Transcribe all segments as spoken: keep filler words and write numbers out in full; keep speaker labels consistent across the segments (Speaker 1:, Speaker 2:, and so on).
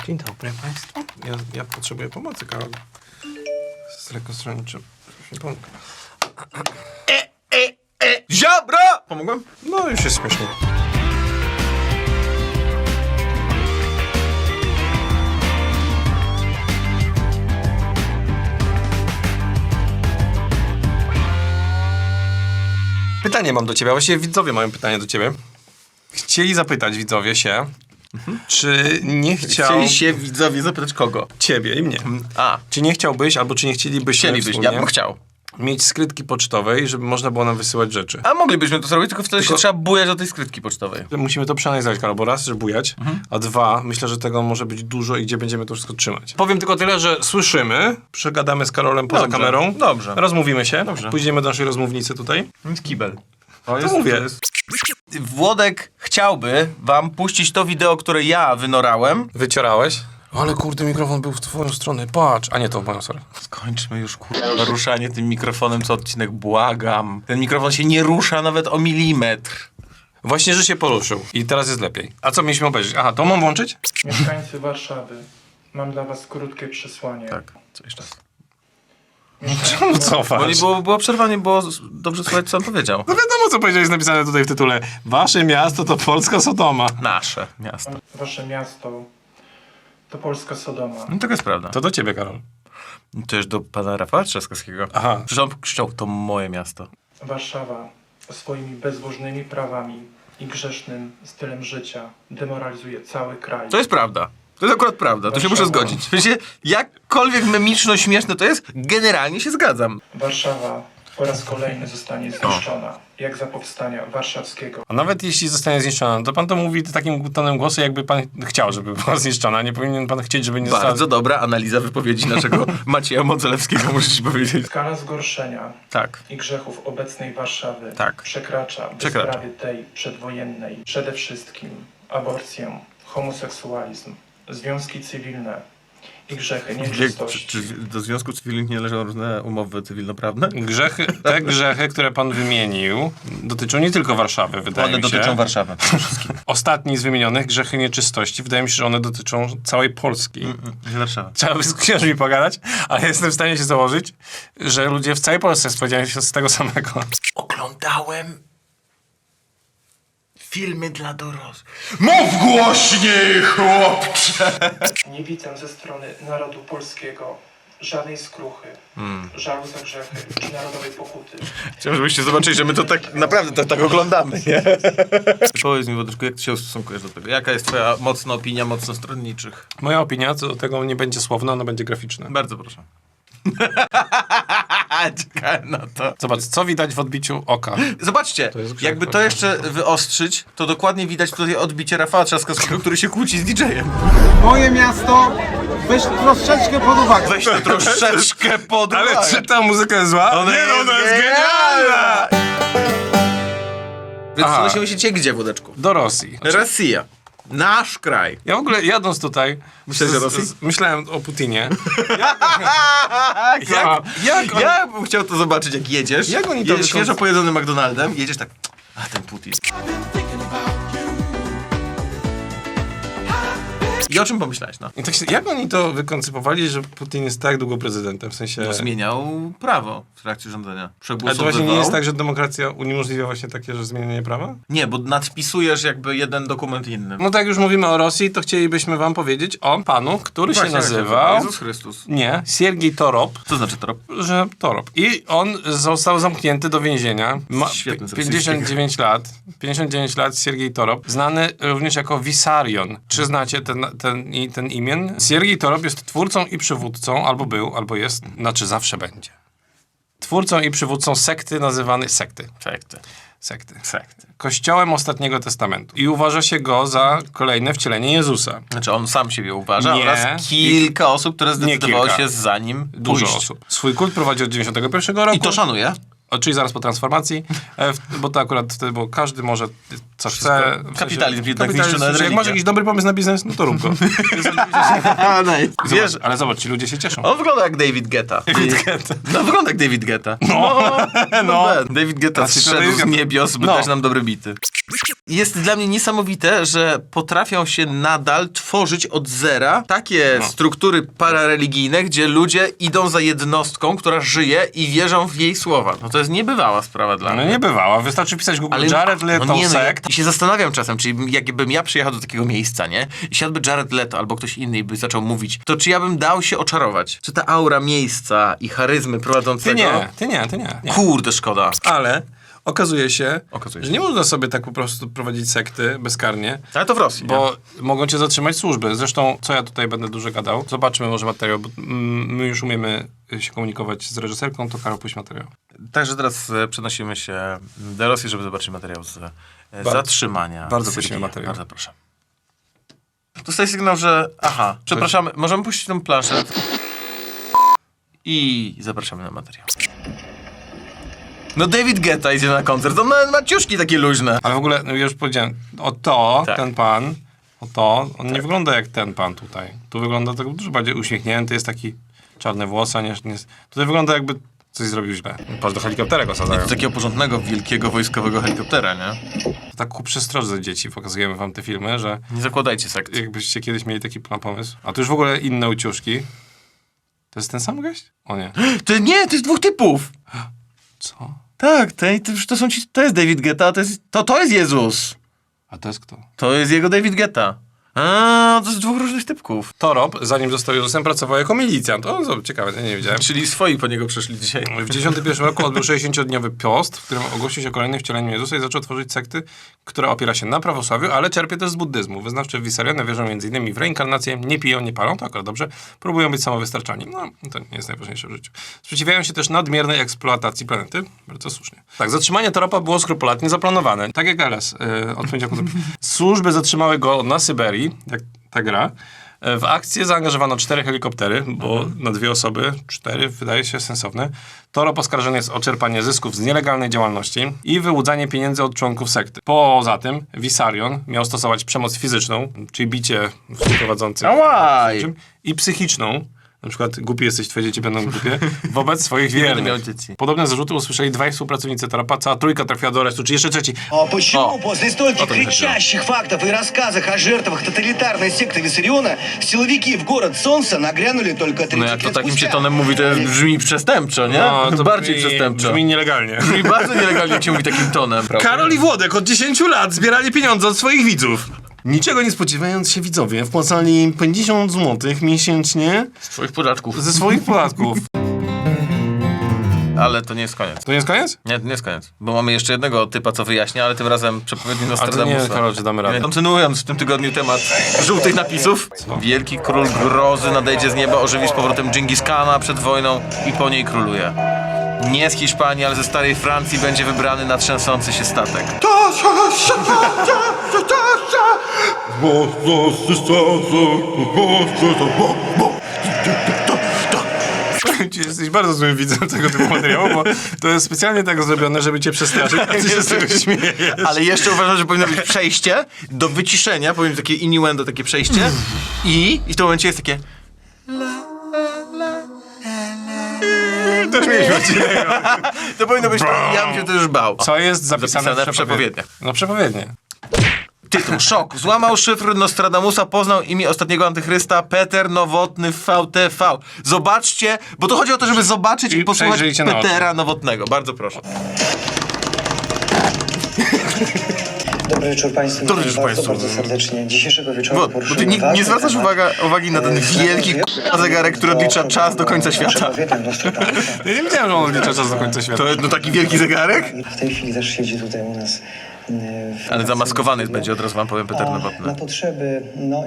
Speaker 1: Dzień dobry Państwu. Ja, ja potrzebuję pomocy, Karol. Z lekkostroniczym. Pomógł.
Speaker 2: E, e, e, Ziobro! Pomogłem?
Speaker 1: No już jest śmiesznie. Pytanie mam do ciebie, a właściwie widzowie mają pytanie do ciebie. Chcieli zapytać widzowie się, mhm. czy nie chciał...
Speaker 2: Chcieli się widzowie zapytać kogo?
Speaker 1: Ciebie i mnie.
Speaker 2: A.
Speaker 1: Czy nie chciałbyś, albo czy nie chcielibyśmy
Speaker 2: Chcielibyś, ja bym chciał.
Speaker 1: mieć skrytki pocztowej, żeby można było nam wysyłać rzeczy.
Speaker 2: A moglibyśmy to zrobić, tylko wtedy
Speaker 1: Tylko-
Speaker 2: się trzeba bujać do tej skrytki pocztowej.
Speaker 1: Musimy to przeanalizować, Karol, bo raz, że bujać,
Speaker 2: Mhm.
Speaker 1: a dwa, myślę, że tego może być dużo i gdzie będziemy to wszystko trzymać. Powiem tylko tyle, że słyszymy, przegadamy z Karolem poza
Speaker 2: Dobrze,
Speaker 1: kamerą.
Speaker 2: dobrze.
Speaker 1: Rozmówimy się.
Speaker 2: Dobrze.
Speaker 1: Pójdziemy do naszej rozmównicy tutaj.
Speaker 2: Nic kibel.
Speaker 1: To mówię.
Speaker 2: Włodek chciałby wam puścić to wideo, które ja wynorałem.
Speaker 1: Wyciorałeś? Ale kurde, mikrofon był w twoją stronę. Patrz. A nie, to w moją stronę.
Speaker 2: Skończmy już, kurwa, ruszanie tym mikrofonem co odcinek, błagam. Ten mikrofon się nie rusza nawet o milimetr.
Speaker 1: Właśnie, że się poruszył. I teraz jest lepiej. A co mieliśmy obejrzeć? Aha, to mam włączyć?
Speaker 3: Mieszkańcy Warszawy, mam dla was krótkie przesłanie.
Speaker 2: Tak, co jeszcze raz.
Speaker 1: Czemu cofasz?
Speaker 2: Bo nie było, było przerwanie, było dobrze słuchać, co on powiedział.
Speaker 1: No wiadomo, co powiedziałeś, jest napisane tutaj w tytule. Wasze miasto to Polska Sodoma.
Speaker 2: Nasze miasto.
Speaker 3: Wasze miasto to polska Sodoma.
Speaker 2: No to jest prawda.
Speaker 1: To do ciebie, Karol.
Speaker 2: To już do pana Rafała Trzaskowskiego.
Speaker 1: Aha.
Speaker 2: Przecież on krzyczał, to moje miasto.
Speaker 3: Warszawa swoimi bezbożnymi prawami i grzesznym stylem życia demoralizuje cały kraj.
Speaker 2: To jest prawda. To jest akurat prawda, to się muszę
Speaker 3: Warszawa.
Speaker 2: zgodzić. W sensie, jakkolwiek memiczno-śmieszne to jest, generalnie się zgadzam.
Speaker 3: Warszawa po raz kolejny zostanie zniszczona, jak za powstania warszawskiego.
Speaker 1: A nawet jeśli zostanie zniszczona, to pan to mówi takim tonem głosu, jakby pan chciał, żeby była zniszczona. Nie powinien pan chcieć, żeby nie została...
Speaker 2: Bardzo dobra analiza wypowiedzi naszego Macieja Modzelewskiego, muszę ci powiedzieć.
Speaker 3: Skala zgorszenia
Speaker 2: Tak.
Speaker 3: i grzechów obecnej Warszawy
Speaker 2: Tak.
Speaker 3: przekracza
Speaker 2: Przekracza.
Speaker 3: bezprawie tej przedwojennej przede wszystkim aborcję, homoseksualizm, związki cywilne i grzechy
Speaker 2: Czy,
Speaker 3: nieczystości.
Speaker 2: czy do związków cywilnych nie należą różne umowy cywilnoprawne?
Speaker 1: Grzechy, te grzechy, które pan wymienił, dotyczą nie tylko Warszawy, wydaje
Speaker 2: One
Speaker 1: mi się.
Speaker 2: dotyczą Warszawy.
Speaker 1: Ostatni z wymienionych, grzechy nieczystości, wydaje mi się, że one dotyczą całej Polski.
Speaker 2: Warszawa.
Speaker 1: Trzeba by z księżmi pogadać, ale jestem w stanie się założyć, że ludzie w całej Polsce spodziewają się z tego samego.
Speaker 2: Oglądałem filmy dla dorosłych. Mów głośniej, chłopcze!
Speaker 3: Nie widzę ze strony narodu polskiego żadnej skruchy, żalu za grzechy czy narodowej pokuty.
Speaker 2: Chciałem, żebyście zobaczyli, że my to tak naprawdę to, tak oglądamy, nie? Powiedz mi, Wodeczku, jak ty się ustosunkujesz do tego? Jaka jest twoja mocna opinia mocno stronniczych?
Speaker 1: Moja opinia co do tego nie będzie słowna, ona będzie graficzna.
Speaker 2: Bardzo proszę. Czekałem na to.
Speaker 1: Zobacz, co widać w odbiciu oka.
Speaker 2: Zobaczcie,
Speaker 1: jest grzech,
Speaker 2: jakby to
Speaker 1: tak.
Speaker 2: jeszcze wyostrzyć, to dokładnie widać tutaj odbicie Rafała Trzaskowskiego, który się kłóci z didżejem.
Speaker 4: Moje miasto, weź troszeczkę pod uwagę.
Speaker 2: Weź to troszeczkę pod uwagę.
Speaker 1: Ale czy ta muzyka jest zła?
Speaker 2: Ona
Speaker 1: nie,
Speaker 2: jest
Speaker 1: no, ona jest
Speaker 2: genialna!
Speaker 1: genialna!
Speaker 2: Więc
Speaker 1: Aha.
Speaker 2: przenosimy się cię gdzie, Wodeczku?
Speaker 1: Do Rosji.
Speaker 2: Rosja. Nasz kraj.
Speaker 1: Ja w ogóle jadąc tutaj...
Speaker 2: Myślałeś o
Speaker 1: z-
Speaker 2: Rosji?
Speaker 1: z- Myślałem o Putinie.
Speaker 2: jak,
Speaker 1: jak on-
Speaker 2: ja bym chciał to zobaczyć, jak jedziesz.
Speaker 1: Jak oni to
Speaker 2: jedziesz
Speaker 1: wykon-
Speaker 2: świeżo pojedzonym McDonaldem, jedziesz tak, a ten Putin. I o czym pomyślałeś, no?
Speaker 1: I tak się, jak oni to wykoncypowali, że Putin jest tak długo prezydentem? W sensie...
Speaker 2: No, zmieniał prawo w trakcie rządzenia.
Speaker 1: Ale to
Speaker 2: Przegłosowywał.
Speaker 1: właśnie nie jest tak, że demokracja uniemożliwia właśnie takie, że zmienianie prawa?
Speaker 2: Nie, bo nadpisujesz jakby jeden dokument innym.
Speaker 1: No tak, jak już mówimy o Rosji, to chcielibyśmy wam powiedzieć o panu, który
Speaker 2: Właśnie,
Speaker 1: się nazywał...
Speaker 2: Jezus Chrystus.
Speaker 1: Nie, Siergiej Torop.
Speaker 2: Co znaczy to?
Speaker 1: Że Torop. I on został zamknięty do więzienia. Ma
Speaker 2: Świetny z
Speaker 1: pięćdziesiąt dziewięć lat. pięćdziesiąt dziewięć lat Siergiej Torop. Znany również jako Wisarion. Czy znacie ten, ten, i- ten imię? Siergiej Torop jest twórcą i przywódcą, albo był, albo jest, znaczy zawsze będzie. Twórcą i przywódcą sekty nazywanej sekty.
Speaker 2: Sekty.
Speaker 1: Sekty.
Speaker 2: Sekty.
Speaker 1: Kościołem Ostatniego Testamentu. I uważa się go za kolejne wcielenie Jezusa.
Speaker 2: Znaczy on sam siebie uważa
Speaker 1: Nie.
Speaker 2: oraz kilka osób, które zdecydowało
Speaker 1: kilka.
Speaker 2: się za nim
Speaker 1: Dużo
Speaker 2: pójść.
Speaker 1: osób. Swój kult prowadzi od dziewięćdziesiątego pierwszego roku.
Speaker 2: I to szanuje.
Speaker 1: O, czyli zaraz po transformacji, e, w, bo to akurat wtedy, bo każdy może co
Speaker 2: Wszystko.
Speaker 1: chce. W sensie-
Speaker 2: Kapitalizm jednak
Speaker 1: kapitalizm,
Speaker 2: niszczy nawet
Speaker 1: że jak
Speaker 2: religię.
Speaker 1: masz jakiś dobry pomysł na biznes, no to rób go.
Speaker 2: Wiesz,
Speaker 1: Zobacz, ale zobacz, ci ludzie się cieszą.
Speaker 2: on wygląda jak David Guetta.
Speaker 1: David Guetta.
Speaker 2: No wygląda jak David Guetta. No, no.
Speaker 1: no.
Speaker 2: David Guetta
Speaker 1: Znaczy, to
Speaker 2: zszedł
Speaker 1: David
Speaker 2: z
Speaker 1: Guetta-
Speaker 2: niebios, by
Speaker 1: No.
Speaker 2: dać nam dobre bity. Jest dla mnie niesamowite, że potrafią się nadal tworzyć od zera takie
Speaker 1: No.
Speaker 2: struktury parareligijne, gdzie ludzie idą za jednostką, która żyje i wierzą w jej słowa. No to jest niebywała sprawa dla
Speaker 1: No
Speaker 2: mnie.
Speaker 1: nie bywała. Wystarczy pisać Google Jared Leto
Speaker 2: no nie, no, ja,
Speaker 1: sekt.
Speaker 2: I się zastanawiam czasem, czyli jakbym ja przyjechał do takiego miejsca, nie? I siadłby Jared Leto albo ktoś inny i by zaczął mówić, to czy ja bym dał się oczarować? Czy ta aura miejsca i charyzmy
Speaker 1: Ty
Speaker 2: prowadzącego...
Speaker 1: nie, ty nie, ty nie. nie.
Speaker 2: Kurde, szkoda.
Speaker 1: Ale okazuje się,
Speaker 2: Okazuje się.
Speaker 1: że nie można sobie tak po prostu prowadzić sekty bezkarnie.
Speaker 2: Ale to w Rosji,
Speaker 1: Bo mogą cię zatrzymać służby. Zresztą, co ja tutaj będę dużo gadał, zobaczmy może materiał, bo mm, my już umiemy się komunikować z reżyserką, to Karol, puść materiał.
Speaker 2: Także teraz e, przenosimy się do Rosji, żeby zobaczyć materiał z e, zatrzymania.
Speaker 1: bardzo
Speaker 2: Sergieja.
Speaker 1: prosimy materiał.
Speaker 2: Bardzo proszę. Dostaję sygnał, że... Aha, przepraszamy, możemy puścić tą planszę. I zapraszamy na materiał. No David Guetta idzie na koncert, on ma, ma ciuszki takie luźne.
Speaker 1: Ale w ogóle, no już powiedziałem, o to,
Speaker 2: Tak.
Speaker 1: ten pan, o to, on nie wygląda jak ten pan tutaj. Tu wygląda tak dużo bardziej uśmiechnięty, jest taki czarne włosy, nie, nie, tutaj wygląda jakby coś zrobił źle. Patrz, do helikoptera go sadzają.
Speaker 2: Z takiego porządnego, wielkiego, wojskowego helikoptera, nie?
Speaker 1: Tak ku przestrodze dzieci pokazujemy wam te filmy, że
Speaker 2: Nie zakładajcie sekcji.
Speaker 1: jakbyście kiedyś mieli taki plan, pomysł. A tu już w ogóle inne uciuszki. To jest ten sam gość? O nie.
Speaker 2: To nie, to jest dwóch typów.
Speaker 1: Co?
Speaker 2: Tak, to, to, to są ci, to jest David Guetta, a to jest, to, to jest Jezus.
Speaker 1: A to jest kto?
Speaker 2: To jest jego David Guetta. A, to jest dwóch różnych typków.
Speaker 1: Torop, zanim został Jezusem, pracował jako milicjant. O, co ciekawe, ja nie wiedziałem.
Speaker 2: Czyli swoi po niego przyszli dzisiaj.
Speaker 1: W dziewięćdziesiątym pierwszym roku odbył sześćdziesięciodniowy post, w którym ogłosił się o kolejnym wcieleniu Jezusa i zaczął tworzyć sekty, która opiera się na prawosławiu, ale czerpie też z buddyzmu. Wyznawcy Wisarione wierzą m.in. w reinkarnację, nie piją, nie palą, to akurat dobrze, próbują być samowystarczalni. No, to nie jest najważniejsze w życiu. Sprzeciwiają się też nadmiernej eksploatacji planety, bardzo słusznie. Tak, zatrzymanie Toropa było skrupulatnie zaplanowane. Tak jak L S, yy, od poniedziałku. Służby zatrzymały go na Syberii, jak ta gra. W akcję zaangażowano cztery helikoptery, bo na dwie osoby, cztery wydaje się sensowne. Torop oskarżony jest o czerpanie zysków z nielegalnej działalności i wyłudzanie pieniędzy od członków sekty. Poza tym Wisarion miał stosować przemoc fizyczną, czyli bicie współprowadzących
Speaker 2: Ałaj!
Speaker 1: i psychiczną, na przykład głupi jesteś, twoje dzieci będą głupie, wobec swoich
Speaker 2: będę
Speaker 1: wiernych.
Speaker 2: miał dzieci.
Speaker 1: Podobne zarzuty usłyszeli dwaj współpracownicy Toropa, cała trójka trafiła do aresztu, czy jeszcze trzeci.
Speaker 5: А почему
Speaker 2: О.
Speaker 5: после стольких
Speaker 2: Вот он
Speaker 5: кричащих фактов и рассказах о жертвах тоталитарной секты Виссариона силовики в город Солнца нагрянули только
Speaker 2: No
Speaker 5: тридцать
Speaker 2: jak to
Speaker 5: лет
Speaker 2: takim się
Speaker 5: спустя?
Speaker 2: tonem mówi, to jest, brzmi przestępczo, nie?
Speaker 1: No, to
Speaker 2: Bardziej
Speaker 1: brzmi,
Speaker 2: przestępczo.
Speaker 1: brzmi nielegalnie.
Speaker 2: Brzmi bardzo nielegalnie, jak się mówi takim tonem. Prawda?
Speaker 1: Karol i Włodek od dziesięciu lat zbierali pieniądze od swoich widzów. Niczego nie spodziewając się widzowie, wpłacali im pięćdziesiąt złotych miesięcznie
Speaker 2: Z twoich podatków.
Speaker 1: ze swoich podatków.
Speaker 2: Ale to nie jest koniec.
Speaker 1: To nie jest koniec?
Speaker 2: Nie, to nie jest koniec. Bo mamy jeszcze jednego typa, co wyjaśnia, ale tym razem przepowiedni
Speaker 1: Ale to
Speaker 2: Nostradamusa.
Speaker 1: nie, Karol, czy damy radę.
Speaker 2: Kontynuując w tym tygodniu temat żółtych napisów. Wielki król grozy nadejdzie z nieba, ożywi z powrotem Dżingis Kana przed wojną i po niej króluje. Nie z Hiszpanii, ale ze starej Francji będzie wybrany na trzęsący się statek.
Speaker 1: Jesteś bardzo złym widzem tego typu materiału, bo to jest specjalnie tak zrobione, żeby cię przestraszyć, a ty się z tego śmiejesz.
Speaker 2: Ale jeszcze uważam, że powinno być przejście do wyciszenia, powiem takie innuendo, takie przejście i, i w tym momencie jest takie...
Speaker 1: Też mieliśmy odcinek.
Speaker 2: To powinno być, ja bym się też bał.
Speaker 1: Co jest zapisane,
Speaker 2: Zapisane
Speaker 1: w
Speaker 2: w przepowiedniach.
Speaker 1: No przepowiednie.
Speaker 2: Tytuł, szok. Złamał szyfr Nostradamusa, poznał imię ostatniego antychrysta, Peter Nowotny V T V. Zobaczcie, bo to chodzi o to, żeby zobaczyć i,
Speaker 1: I
Speaker 2: posłuchać
Speaker 1: przejrzyjcie na
Speaker 2: Petera Nowotnego. Bardzo proszę.
Speaker 6: Dobry wieczór Państwu.
Speaker 2: Dobry
Speaker 6: Witam
Speaker 2: wieczór
Speaker 6: bardzo,
Speaker 2: Państwu.
Speaker 6: bardzo serdecznie. Dzisiejszego wieczoru
Speaker 2: Bo, bo ty
Speaker 6: poruszymy
Speaker 2: nie, nie
Speaker 6: ważny
Speaker 2: zwracasz
Speaker 6: temat.
Speaker 2: uwaga, uwagi na ten
Speaker 6: E,
Speaker 2: wielki k***a zegarek, który odlicza czas do końca świata.
Speaker 6: Przepowiednią Nostradamusa.
Speaker 1: Ja nie wiedziałem, że on odlicza czas do końca świata.
Speaker 2: To jest no taki wielki zegarek?
Speaker 6: W tej chwili też siedzi tutaj u nas. e, w
Speaker 2: Ale zamaskowany
Speaker 6: studio.
Speaker 2: będzie, od razu wam powiem, Peter
Speaker 6: A
Speaker 2: Nowotny.
Speaker 6: Na potrzeby no,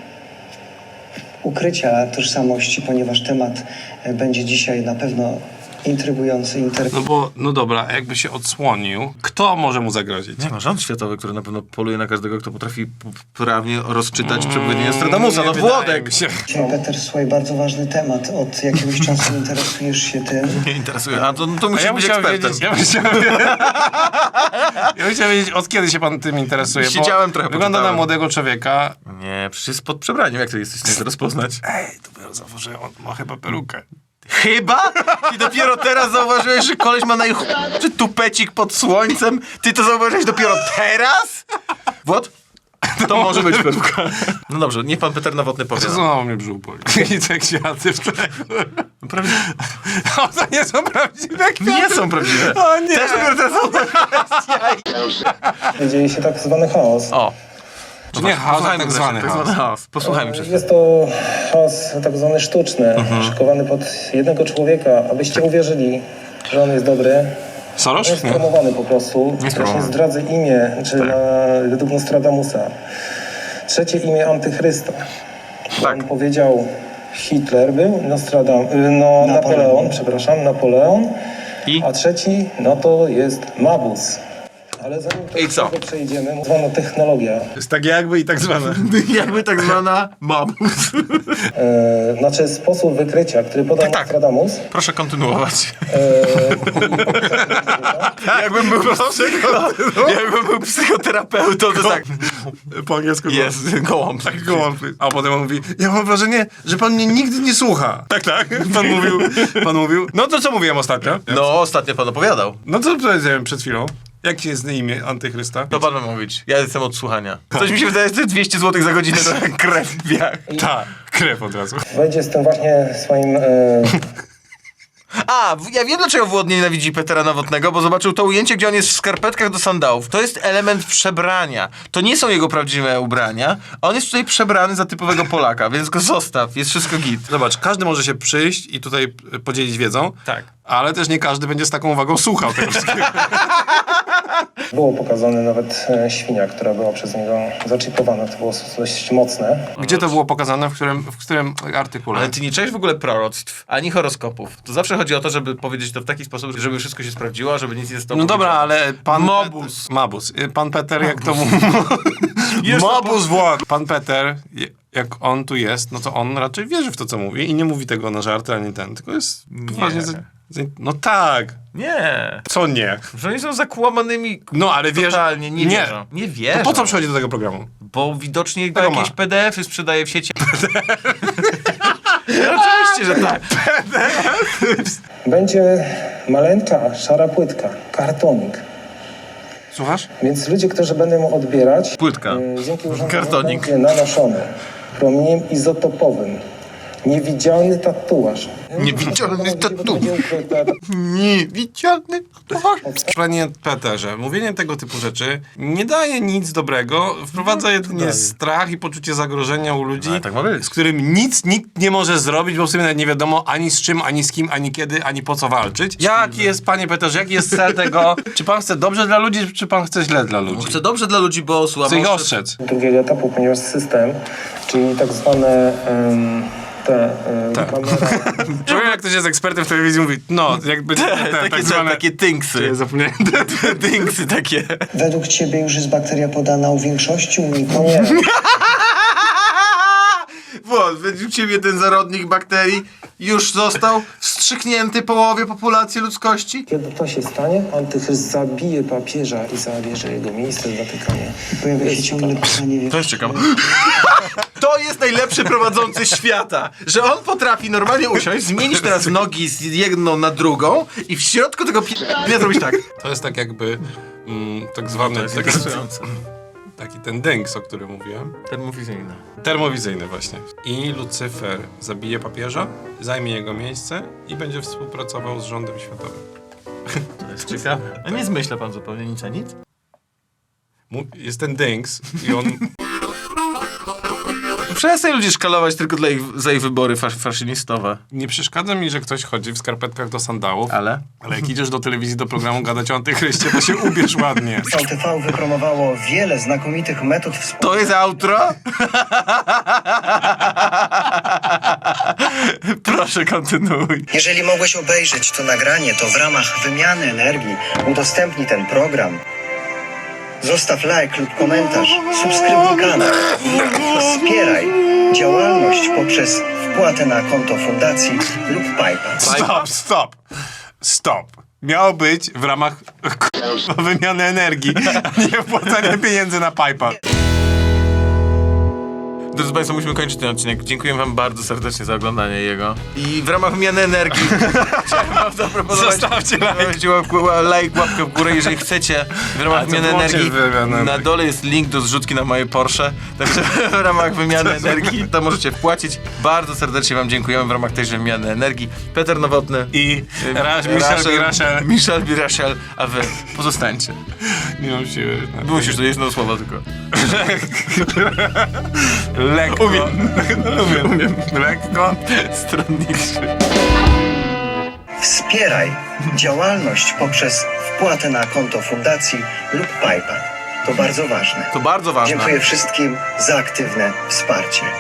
Speaker 6: ukrycia tożsamości, ponieważ temat e, będzie dzisiaj na pewno intrygujący,
Speaker 1: No
Speaker 6: interesujący.
Speaker 1: bo, no dobra, a jakby się odsłonił, kto może mu zagrozić?
Speaker 2: Nie ma rząd światowy, który na pewno poluje na każdego, kto potrafi p- prawnie rozczytać przepowiednie Nostradamusa. No
Speaker 1: Nie wydaje
Speaker 2: Włodek!
Speaker 1: mi się.
Speaker 6: Peter, słuchaj, bardzo ważny temat. Od jakiegoś czasu interesujesz się tym.
Speaker 2: Nie interesuje. A to, no to
Speaker 1: A
Speaker 2: musi
Speaker 1: ja
Speaker 2: być
Speaker 1: musiałem
Speaker 2: ekspertem.
Speaker 1: wiedzieć, ja musiałem wiedzieć, ja musiałem wiedzieć, od kiedy się pan tym interesuje, bo
Speaker 2: Siedziałem trochę,
Speaker 1: wygląda na
Speaker 2: poczytałem.
Speaker 1: młodego człowieka.
Speaker 2: Nie, przecież jest pod przebraniem, jak to jesteś w stanie to rozpoznać?
Speaker 1: Ej, dopiero zauważyłem, on ma chyba perukę.
Speaker 2: Chyba? I dopiero teraz zauważyłeś, że koleś ma najchujszy tupecik pod słońcem? Ty to zauważyłeś dopiero teraz? Włod? To może być pewka. No dobrze, niech pan Peter Nowotny powie.
Speaker 1: Co znowu mnie brzuch boli. I te kwiaty w tle.
Speaker 2: Prawdziwe.
Speaker 1: O, to nie są prawdziwe kwiaty.
Speaker 2: Nie są prawdziwe.
Speaker 1: O nie.
Speaker 2: Też dopiero teraz zauważyłeś.
Speaker 6: Dzieje się tak zwany chaos.
Speaker 2: O.
Speaker 1: Czy nie chaos, a
Speaker 2: Posłuchajmy
Speaker 1: tak
Speaker 2: wreszcie,
Speaker 1: zwany
Speaker 2: tak
Speaker 1: chaos.
Speaker 2: zwany chaos. Posłuchajmy przez
Speaker 6: Jest to chaos tak zwany sztuczny, szykowany pod jednego człowieka, abyście uwierzyli, że on jest dobry.
Speaker 1: Soros?
Speaker 6: On jest
Speaker 1: Nie.
Speaker 6: promowany po prostu. Właśnie
Speaker 2: promowany.
Speaker 6: zdradzę imię, czy na, według Nostradamusa. Trzecie imię Antychrysta.
Speaker 2: Tak.
Speaker 6: On powiedział, Hitler był, Nostradam, y, no, Napoleon, przepraszam, Napoleon.
Speaker 2: I?
Speaker 6: A trzeci, no to jest Mabus. Ale zanim to
Speaker 2: I co?
Speaker 6: do tego przejdziemy, zwana technologia.
Speaker 1: Jest tak jakby i tak zwane.
Speaker 2: Jakby tak zwana mamus.
Speaker 6: E, znaczy sposób wykrycia, który podał
Speaker 2: Tak, tak.
Speaker 6: Nostradamus.
Speaker 2: Proszę kontynuować.
Speaker 6: E,
Speaker 2: Jakbym był, psycho... Jakbym był psychoterapeutą, to tak.
Speaker 1: Po angielsku
Speaker 2: Jest, gołąb.
Speaker 1: Tak, gołąb. A potem on mówi, ja mam wrażenie, że pan mnie nigdy nie słucha. Tak, tak. Pan mówił, pan mówił. No to co mówiłem ostatnio?
Speaker 2: No, ostatnio pan opowiadał.
Speaker 1: No co powiedziałem przed chwilą? Jakie jest imię Antychrysta?
Speaker 2: To pan ma mówić. Ja jestem od słuchania. Coś mi się wydaje, że dwieście złotych za godzinę to jak krew w biach.
Speaker 1: Tak, krew od razu.
Speaker 6: wejdzie z tym właśnie swoim... E,
Speaker 2: A, w- ja wiem dlaczego Włod nienawidzi Petera Nowotnego, bo zobaczył to ujęcie, gdzie on jest w skarpetkach do sandałów. To jest element przebrania. To nie są jego prawdziwe ubrania. On jest tutaj przebrany za typowego Polaka, więc go zostaw. Jest wszystko git.
Speaker 1: Zobacz, każdy może się przyjść i tutaj e, podzielić wiedzą.
Speaker 2: Tak.
Speaker 1: Ale też nie każdy będzie z taką uwagą słuchał tego wszystkiego.
Speaker 6: było pokazane nawet e, świnia, która była przez niego zaczipowana. To było dość mocne.
Speaker 1: Gdzie to było pokazane? W którym, w którym artykule?
Speaker 2: Ale ty nie czujesz w ogóle proroctw, ani horoskopów. To zawsze chodzi o to, żeby powiedzieć to w taki sposób, żeby wszystko się sprawdziło, żeby nic nie zostało
Speaker 1: No dobra, ale pan...
Speaker 2: Mobus.
Speaker 1: Pet- Mabus. Y, Pan Peter, jak to mówi... Mobus Wład. Pan Peter, je- jak on tu jest, no to on raczej wierzy w to, co mówi i nie mówi tego na żarty, ani ten, tylko jest poważnie... Za, za, no tak.
Speaker 2: Nie.
Speaker 1: Co nie?
Speaker 2: Że oni są zakłamanymi.
Speaker 1: No, ale wierzy...
Speaker 2: Totalnie, nie,
Speaker 1: nie.
Speaker 2: wierzą. Nie wierzą.
Speaker 1: To po co przychodzi do tego programu?
Speaker 2: Bo widocznie
Speaker 1: Tego
Speaker 2: jakieś
Speaker 1: ma.
Speaker 2: P D F-y sprzedaje w sieci. Oczywiście, że tak.
Speaker 6: Będzie maleńka, szara płytka, kartonik.
Speaker 1: Słuchasz?
Speaker 6: Więc ludzie, którzy będą ją odbierać,
Speaker 2: Płytka.
Speaker 6: e, dzięki urządzeniu
Speaker 2: Kartonik.
Speaker 6: będzie nanoszony promieniem izotopowym. Niewidzialny tatuaż.
Speaker 2: Niewidzialny tatuaż.
Speaker 6: Będzie ukryte.
Speaker 2: Niewidzialny.
Speaker 1: Panie Peterze, mówienie tego typu rzeczy nie daje nic dobrego, wprowadza jedynie strach i poczucie zagrożenia u ludzi,
Speaker 2: ale tak ma być.
Speaker 1: z którym nic nikt nie może zrobić, bo w sumie nawet nie wiadomo ani z czym, ani z kim, ani kiedy, ani po co walczyć. Jaki jest, panie Peterze, jaki jest cel tego? Czy pan chce dobrze dla ludzi, czy pan chce źle dla ludzi?
Speaker 2: Chcę dobrze dla ludzi, bo słabo.
Speaker 1: Chce ich ostrzec.
Speaker 6: drugiego etapu, ponieważ system, czyli tak zwane em, te em, kamera,
Speaker 1: Czuję, jak ktoś jest ekspertem w telewizji, mówi, no, jakby te, te,
Speaker 2: Takie,
Speaker 1: tak zwane...
Speaker 2: takie tynksy.
Speaker 1: Zapomniałem.
Speaker 2: Dynksy takie.
Speaker 6: według ciebie już jest bakteria podana u większości, u nikogo nie.
Speaker 2: Włod, według ciebie ten zarodnik bakterii już został wstrzyknięty połowie populacji ludzkości?
Speaker 6: Kiedy to się stanie, Antychryst zabije papieża i zabierze jego miejsce w Watykanie. Pojawia się ciągle pytanie...
Speaker 2: To jest ciekawe. To jest najlepszy prowadzący świata, że on potrafi normalnie usiąść, zmienić teraz nogi z jedną na drugą i w środku tego p***a zrobić tak.
Speaker 1: To jest tak jakby mm, tak zwany taki, taki ten dęks, o którym mówiłem.
Speaker 2: Termofizyjna.
Speaker 1: Termowizyjny właśnie. I Lucyfer zabije papieża, zajmie jego miejsce i będzie współpracował z rządem światowym.
Speaker 2: To jest ciekawe. A nie zmyśla pan zupełnie nic a nic?
Speaker 1: Mu- Jest ten dęks i on...
Speaker 2: Przestań ludzi szkalować tylko dla ich, za ich wybory fas faszynistowe.
Speaker 1: Nie przeszkadza mi, że ktoś chodzi w skarpetkach do sandałów,
Speaker 2: Ale?
Speaker 1: ale jak idziesz do telewizji, do programu gadać o antychryście, to się ubierz ładnie.
Speaker 5: V T V wypromowało wiele znakomitych metod współpracy.
Speaker 2: To jest outro? Proszę, kontynuuj.
Speaker 5: Jeżeli mogłeś obejrzeć to nagranie, to w ramach wymiany energii udostępnij ten program. Zostaw like lub komentarz, subskrybuj kanał i wspieraj działalność poprzez wpłatę na konto fundacji lub PayPal.
Speaker 1: Stop, stop, stop. Miało być w ramach k***a, wymiany energii, a nie wpłacania pieniędzy na PayPal.
Speaker 2: Drodzy Państwo, musimy kończyć ten odcinek. Dziękuję Wam bardzo serdecznie za oglądanie jego. I w ramach wymiany energii chciałem Wam zaproponować...
Speaker 1: Zostawcie like.
Speaker 2: Zostawcie like, łapkę w górę, jeżeli chcecie. W ramach
Speaker 1: A co
Speaker 2: wymiany
Speaker 1: włączyć
Speaker 2: energii
Speaker 1: wymianę
Speaker 2: na
Speaker 1: energii?
Speaker 2: dole jest link do zrzutki na moje Porsche. Także w ramach wymiany energii to możecie wpłacić. Bardzo serdecznie Wam dziękujemy w ramach tejże wymiany energii. Peter Nowotny.
Speaker 1: I Rasz, Michel Birachel.
Speaker 2: Michel Birachel, a Wy pozostańcie.
Speaker 1: Nie mam siły.
Speaker 2: Musisz, to jedno słowo tylko.
Speaker 1: Lekko. Umiem. Umiem. Umiem. Lekko.
Speaker 2: Stronniczy.
Speaker 5: Wspieraj działalność poprzez wpłatę na konto fundacji lub PayPal. To bardzo ważne.
Speaker 2: To bardzo ważne.
Speaker 5: Dziękuję wszystkim za aktywne wsparcie.